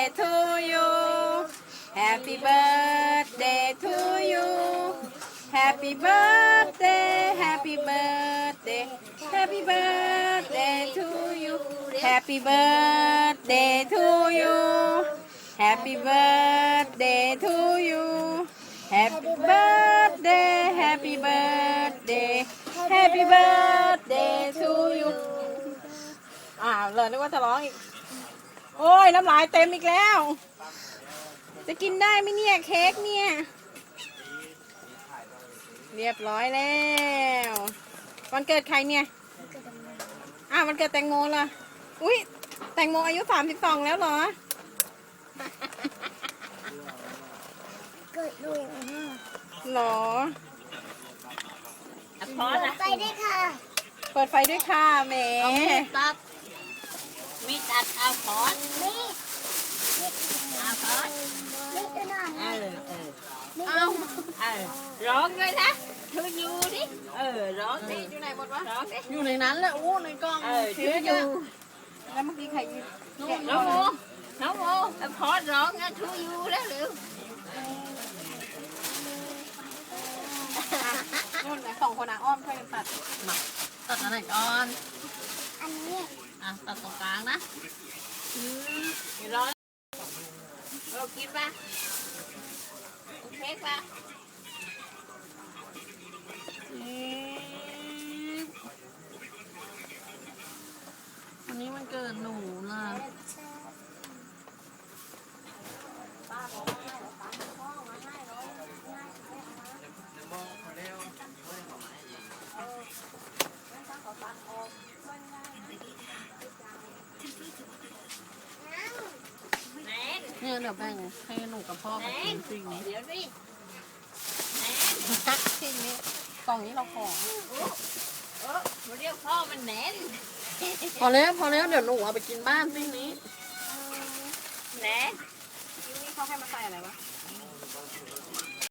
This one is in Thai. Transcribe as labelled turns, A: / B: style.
A: to you Happy birthday to you Happy birthday Happy birthday Happy birthday to you Happy birthday to you Happy birthday to you Happy birthday Happy birthday Happy birthday to you เลยนึกว่าจะร้องอีกโอ้ยน้ำลายเต็มอีกแล้วจะกินได้ไหมเนี่ยเค้กเนี่ยเรียบร้อยแล้ววันเกิดใครเนี่ยวันเกิดแตงโมล่ะอุ้ยแตงโมอายุ32แล้วเหรอ
B: เกิดด้วย
A: หรอ
B: พอไปด้วยค่ะ
A: เปิดไฟด้วยค่ะแหม
C: มีตัดเอาพอด
B: มี
C: เอาพอด
B: มีตัวหน่อย
C: เอาร้องด้วยนะทูยูดิร้องดิ
A: อยู่ไหนหมดวะ
C: ร้องดิ
A: อยู่ในนั้นแหละอู้ในกล้อง
C: ทูยู
A: แล้วเมื่อกี้ใครยืน
C: น้องโมน้องโมพอดร้องนะทูยูแล้วหรือ
A: นู่นสองคนอ้อมช่วยกันตัด
C: มาตัดอะไรก่อน
B: อันนี้
C: ตัดตรงกลางนะร้อนเรากินป่ะเค้กป่ะวันนี้มันเกิดหนูล่ะเนี่ยเดี๋ยวแบ่งให้หนูกับพ่อกับกินสิ่งนี้เดี๋ยวดิ
A: ที่นี้กล่องนี้เราขอ
C: มาเรียกพ่อมันแหนน
A: พอแล้วเดี๋ยวหนูเอาไปกินบ้านสิ่งนี้
C: แหนน
A: นี่เขาให้มาใส่อะไรวะ